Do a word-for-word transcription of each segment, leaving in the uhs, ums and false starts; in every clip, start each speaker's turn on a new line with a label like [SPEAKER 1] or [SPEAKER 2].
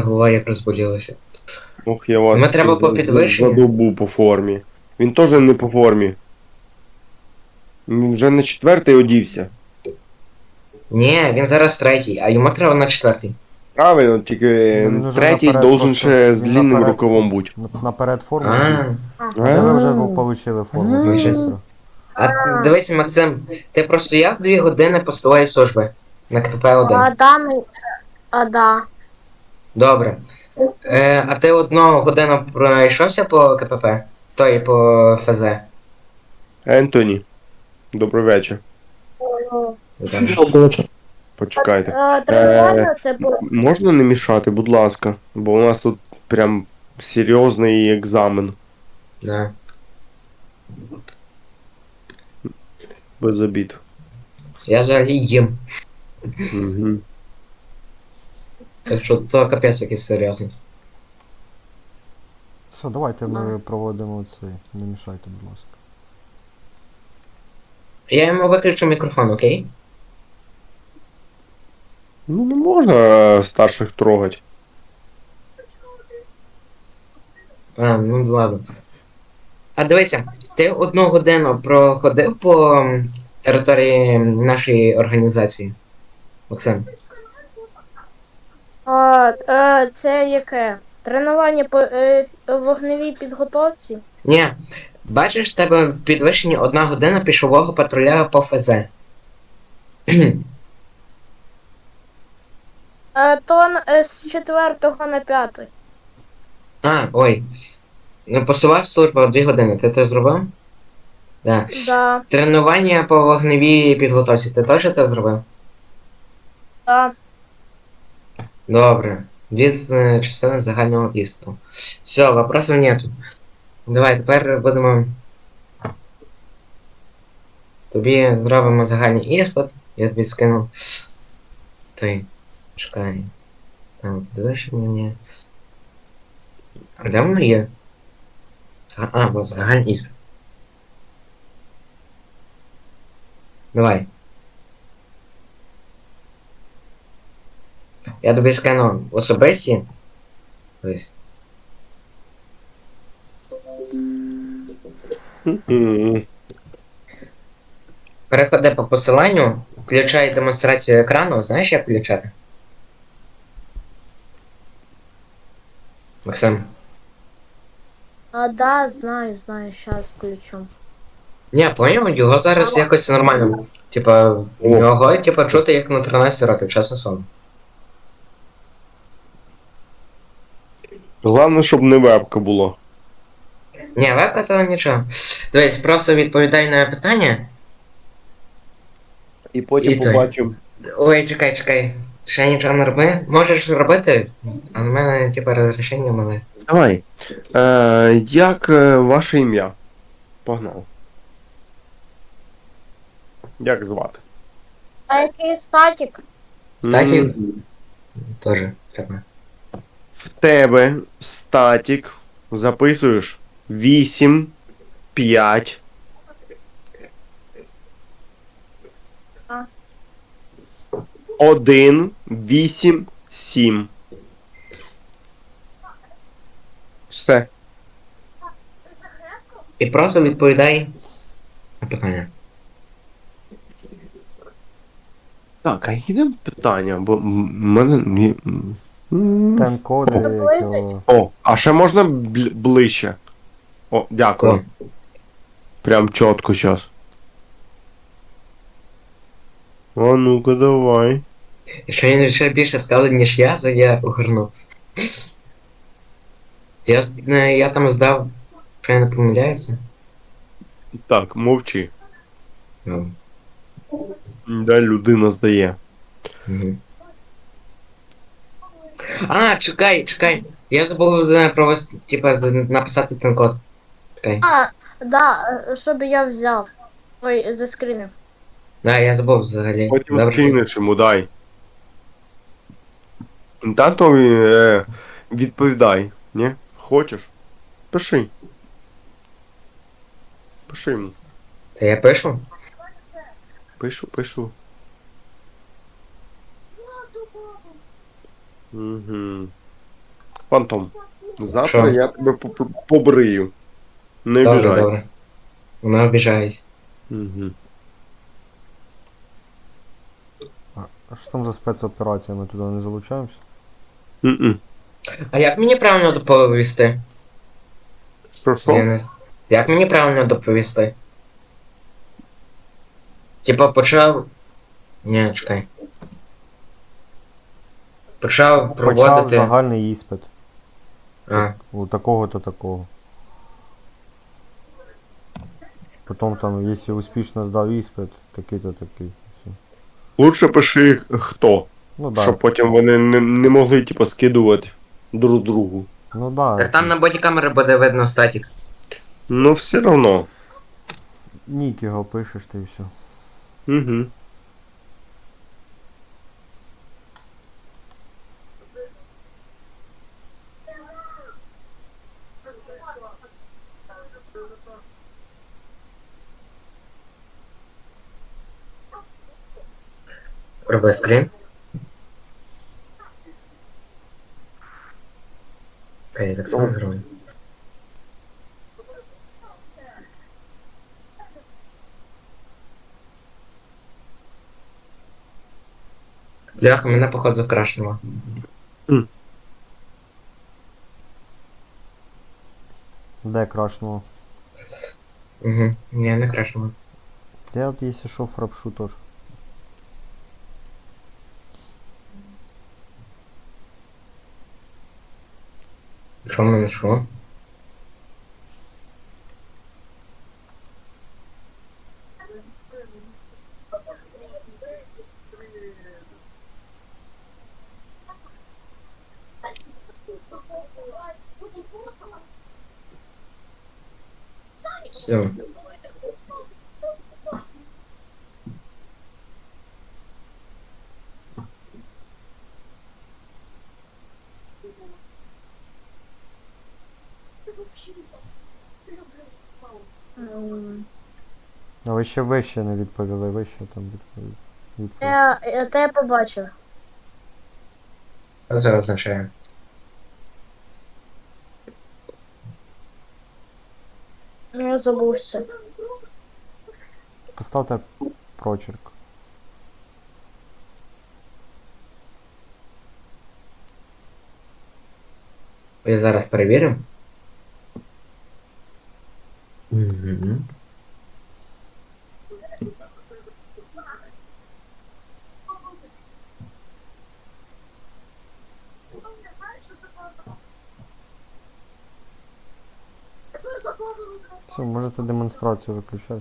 [SPEAKER 1] голова як розболілася.
[SPEAKER 2] Ох, я вас
[SPEAKER 1] Ми треба
[SPEAKER 2] за,
[SPEAKER 1] по
[SPEAKER 2] за,
[SPEAKER 1] підвищенню.
[SPEAKER 2] задовбу по формі. Він теж не по формі. Він вже на четвертий одівся.
[SPEAKER 1] Ні, він зараз третій, а йому треба на четвертий.
[SPEAKER 2] Правильно, тільки
[SPEAKER 3] Ну, він уже
[SPEAKER 2] третій
[SPEAKER 3] наперед
[SPEAKER 2] должен
[SPEAKER 3] просто-
[SPEAKER 2] ще з
[SPEAKER 3] він
[SPEAKER 2] длинним
[SPEAKER 3] наперед-
[SPEAKER 2] рукавом бути.
[SPEAKER 3] Наперед форму.
[SPEAKER 1] А,
[SPEAKER 3] А де ви вже
[SPEAKER 2] А.
[SPEAKER 3] получили форму?
[SPEAKER 1] Ми щас- а дивись, Максим, ти простояв дві години постової служби на КПП один.
[SPEAKER 4] А, да, ми... а, да.
[SPEAKER 1] Добре. Е, а ти одну годину пройшовся по КПП? Той по ФЗ.
[SPEAKER 2] Ентоні. Добрий вечір.
[SPEAKER 1] Добре.
[SPEAKER 2] Почекайте.
[SPEAKER 4] Е, Тренування це було.
[SPEAKER 2] Можна не мішати, будь ласка, бо у нас тут прям серйозний екзамен.
[SPEAKER 1] Да.
[SPEAKER 2] Без обід.
[SPEAKER 1] Я взагалі їм.
[SPEAKER 2] Угу.
[SPEAKER 1] Так що то капець якийсь серйозний.
[SPEAKER 3] Все, давайте ми проводимо цей. Не мішайте, будь ласка.
[SPEAKER 1] Я йому виключу мікрофон, окей?
[SPEAKER 2] Ну не можна е, старших трогати.
[SPEAKER 1] А, ну ладно. А дивися, ти одну годину проходив по м, території нашої організації, Максим?
[SPEAKER 4] А, е, це яке? Тренування по е, вогневій підготовці?
[SPEAKER 1] Ні. Бачиш, в тебе в підвищенні одна година пішового патруля по ФЗ.
[SPEAKER 4] Е, то н- е, з четвертого на п'ятий.
[SPEAKER 1] А, ой. Ну, посував службу дві години. Ти це зробив? Да.
[SPEAKER 4] Да,
[SPEAKER 1] Тренування по вогневій підготовці. Ти теж це зробив?
[SPEAKER 4] да.
[SPEAKER 1] Добре. Дві з е, частини загального іспиту. Все, вопросов нету. Давай, тепер будемо. Тобі зробимо загальний іспит. Я тобі скину. Ти. Чекай. Там, дивишся мені. А де воно є? А, а, бо загальний іспит. Давай. Я тобі скину особисті. Ось.
[SPEAKER 2] Мгм.
[SPEAKER 1] Переходи по посиланню, включай демонстрацію екрану. Знаєш, як включати? Максим.
[SPEAKER 4] А, да, знаю, знаю, щас включу.
[SPEAKER 1] Ні, поняв, його зараз якось нормально. Типа, його, типа, чути як на тринадцять років, чесно слово.
[SPEAKER 2] Головне, щоб не вебка було.
[SPEAKER 1] Ні, вебка то нічого. Дивись, просто відповідай на питання.
[SPEAKER 2] І потім
[SPEAKER 1] І той.
[SPEAKER 2] побачимо.
[SPEAKER 1] Ой, чекай, чекай. Ще нічого не роби. Можеш робити, а в мене, типа, розрішення мале.
[SPEAKER 2] Давай. Е, як е, ваше ім'я? Погнав. Як звати?
[SPEAKER 4] А який статік?
[SPEAKER 1] Статік?
[SPEAKER 2] М,
[SPEAKER 1] Тоже тебе.
[SPEAKER 2] В тебе статік. Записуєш вісім, п'ять.
[SPEAKER 4] А.
[SPEAKER 2] один, вісім, сім. Все.
[SPEAKER 1] І просто відповідай на питання.
[SPEAKER 2] Так, а йдемо питання, бо м- мене. м- м.
[SPEAKER 3] Тем-коди,
[SPEAKER 4] Приблизить.
[SPEAKER 3] якого...
[SPEAKER 2] О, а ще можна бл- ближче? О, дякую.
[SPEAKER 1] О.
[SPEAKER 2] Прям чітко зараз. А ну-ка давай.
[SPEAKER 1] Якщо він ще більше сказав, ніж я, то я огорну. Я, з- е, я там здав, що я не помиляюся.
[SPEAKER 2] Так, мовчи.
[SPEAKER 1] Ну,
[SPEAKER 2] Да, людина здає.
[SPEAKER 1] угу. А, чекай, чекай. Я забув за про вас, типа, за- написати ten код. Чекай.
[SPEAKER 4] А, да, е, щоб я взяв. Ой, заскрінив.
[SPEAKER 1] Да, я забув взагалі.
[SPEAKER 2] Потім
[SPEAKER 1] Добре.
[SPEAKER 2] скинеш йому, дай. Татові е, відповідай, ні? Хочеш? Пиши. Пиши йому.
[SPEAKER 1] Та я пишу?
[SPEAKER 2] Пишу, пишу. Угу. Фантом. Завтра
[SPEAKER 1] Що?
[SPEAKER 2] я тебе поп- побрию. Не
[SPEAKER 1] Добре,
[SPEAKER 2] обіжай.
[SPEAKER 1] добре. Не обіжаюсь.
[SPEAKER 2] Угу.
[SPEAKER 3] А що там за спецоперація? Ми туди не залучаємося?
[SPEAKER 2] М-м.
[SPEAKER 1] А як мені правильно доповісти?
[SPEAKER 2] Що,
[SPEAKER 1] Я
[SPEAKER 2] що?
[SPEAKER 1] не... Як мені правильно доповісти? Типа почав. Ні, чекай. Почав
[SPEAKER 3] Почав
[SPEAKER 1] проводити.
[SPEAKER 3] загальний іспит.
[SPEAKER 1] А,
[SPEAKER 3] У такого-то такого. Потім там, якщо успішно здав іспит, такий-то такий. Все.
[SPEAKER 2] Лучше пиши хто.
[SPEAKER 3] Ну да.
[SPEAKER 2] Щоб потім вони не, не могли, типу, скидувати друг другу.
[SPEAKER 3] Ну да.
[SPEAKER 1] так там на боді камери буде видно статік.
[SPEAKER 2] Ну, все одно.
[SPEAKER 3] Нік його пишеш, та і все.
[SPEAKER 2] Угу.
[SPEAKER 1] Роби скрін. Окей, я так само зроблю. Бляха, мене походу крашнуло.
[SPEAKER 3] Де крашнуло?
[SPEAKER 1] Угу. Ні, не крашнуло.
[SPEAKER 3] Я от якщо що фрапшу теж.
[SPEAKER 1] Що в мене що? Все.
[SPEAKER 4] М,
[SPEAKER 3] А ви ще вище не відповіли, ви що там відповіли? Відповідь.
[SPEAKER 4] Я, я те побачив.
[SPEAKER 1] Що це означає?
[SPEAKER 4] Я забувся.
[SPEAKER 3] Поставте прочерк.
[SPEAKER 1] Я зараз перевірю. Угу.
[SPEAKER 3] Все, можете демонстрацію виключати.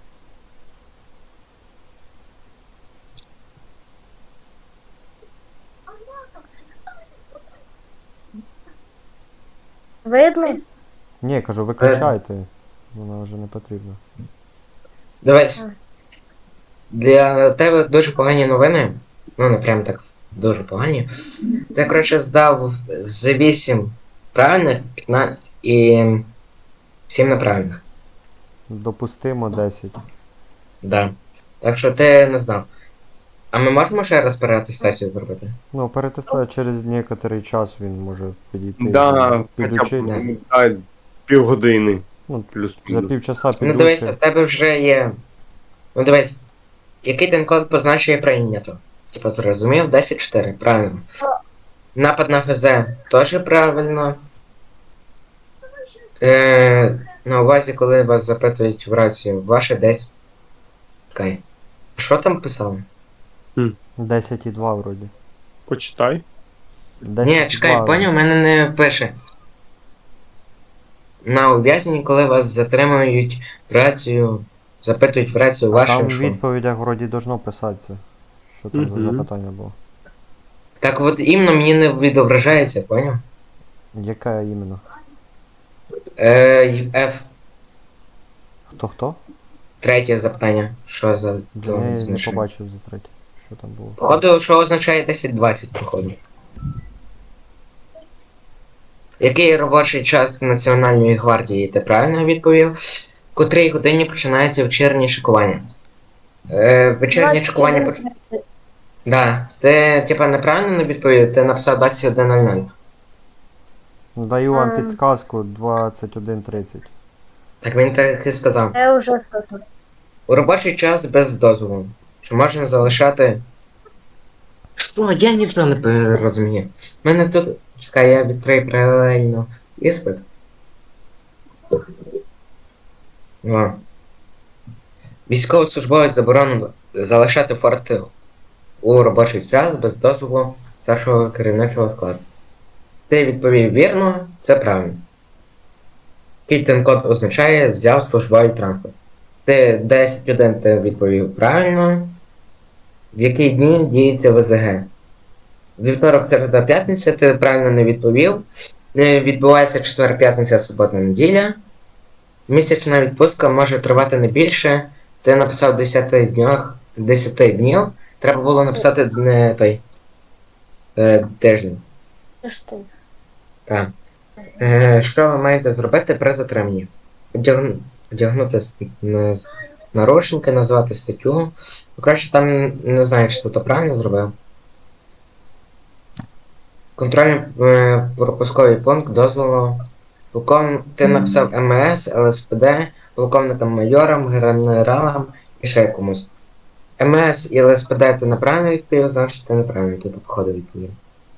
[SPEAKER 4] Видно?
[SPEAKER 3] Ні, я кажу, виключайте. Вона вже не потрібна.
[SPEAKER 1] Дивись.
[SPEAKER 4] А.
[SPEAKER 1] Для тебе дуже погані новини. Ну, не прям так дуже погані. Ти, коротше, здав з вісім правильних п'ятнадцять і сім неправильних.
[SPEAKER 3] Допустимо десять.
[SPEAKER 1] Да. Так що ти не знав. А ми можемо ще раз переатестацію зробити?
[SPEAKER 3] Ну, перетестую через некоторий час він може підійти.
[SPEAKER 2] Да, хоча
[SPEAKER 3] підучити.
[SPEAKER 2] б да, півгодини.
[SPEAKER 3] Ну,
[SPEAKER 2] Плюс.
[SPEAKER 3] За півчаса
[SPEAKER 1] Ну
[SPEAKER 3] підучить.
[SPEAKER 1] дивись, в тебе вже є. Ну дивись. Який ten код позначує прийнято? Типа зрозумів? десять чотири, правильно. Напад на ФЗ теж правильно. Е, на увазі, коли вас запитують в рацію, ваше десять. Чекай. Що там писали?
[SPEAKER 3] десять і два вроді.
[SPEAKER 2] Почитай.
[SPEAKER 3] десять
[SPEAKER 1] Ні,
[SPEAKER 3] і
[SPEAKER 1] чекай,
[SPEAKER 3] два.
[SPEAKER 1] поняв, у мене не пише. На ув'язненні, коли вас затримують в рацію, запитують в рацію
[SPEAKER 3] А
[SPEAKER 1] ваше
[SPEAKER 3] там в
[SPEAKER 1] що.
[SPEAKER 3] відповідях вроді должно писатися. Що там за
[SPEAKER 2] Мгм.
[SPEAKER 3] запитання було.
[SPEAKER 1] Так от іменно мені не відображається, поняв?
[SPEAKER 3] Яке іменно?
[SPEAKER 1] Е, й- F.
[SPEAKER 3] Хто хто?
[SPEAKER 1] Третє запитання. Що за
[SPEAKER 3] Я
[SPEAKER 1] то
[SPEAKER 3] не
[SPEAKER 1] значення?
[SPEAKER 3] побачив за третє. Що там було.
[SPEAKER 1] Походу, що означає десять двадцять, походу. Який робочий час Національної гвардії? Ти правильно відповів? В котрій годині починається вечірнє шикування? Е, вечірнє шикування поч... Да. Ти, типа, неправильно не відповів, ти написав двадцять один нуль нуль.
[SPEAKER 3] Даю вам
[SPEAKER 4] Ем.
[SPEAKER 3] підсказку двадцять один тридцять.
[SPEAKER 1] Так він так і сказав.
[SPEAKER 4] Я вже сказав.
[SPEAKER 1] У робочий час без дозволу. Чи можна залишати. Що? Я нічого не пе- розумію. У мене тут. Чекай, я відкрию паралельно іспит. О. Військовослужбовець заборонено залишати форти у робочий час без дозволу старшого керівничого складу. Ти відповів вірно, це правильно. Який код означає взяв службовий транспорт. Ти десять один ти відповів правильно. В які дні діється ВЗГ? Вівторок, середа, п'ятниця, ти правильно не відповів. Е, Відбувається четвер, п'ятниця, субота, неділя. Місячна відпустка може тривати не більше. Ти написав десять днях, десять днів. Треба було написати не той е, тиждень.
[SPEAKER 4] Це ж ти.
[SPEAKER 1] Так. Е, що ви маєте зробити при затриманні? Одягну, одягнути с- на- наручники, назвати статтю. Ну, краще там не знаю, чи ти то правильно зробив. Контрольний е, пропусковий пункт дозволу. Полков... Ти написав ем е ес, ел ес пе де, полковникам майорам, генералам і ще комусь. ем е ес і ел ес пе де ти неправильно відповів, значить ти неправильно тут обходив відповів.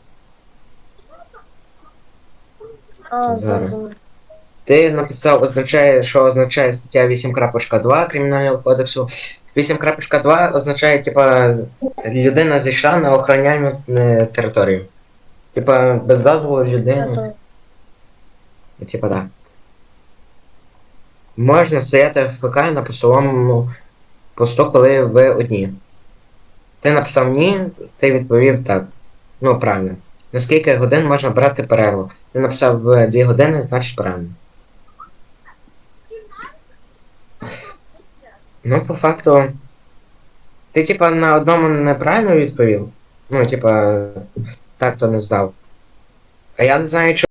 [SPEAKER 4] А,
[SPEAKER 1] Зараз.
[SPEAKER 4] зрозумів.
[SPEAKER 1] Ти написав, означає, що означає стаття вісім крапка два Кримінального кодексу. вісім крапка два означає, типа, з- людина зійшла на охороняємо е, територію. Типа, без дозволу людини.
[SPEAKER 4] Зрозумів.
[SPEAKER 1] Типа, так. Можна стояти в ФК на посоловому посту, коли ви одні. Ти написав ні, ти відповів так. Ну, правильно. На скільки годин можна брати перерву? Ти написав е, дві години, значить правильно. Ну, по факту. Ти, типа, на одному неправильно відповів. Ну, типа, так то не здав. А я не знаю,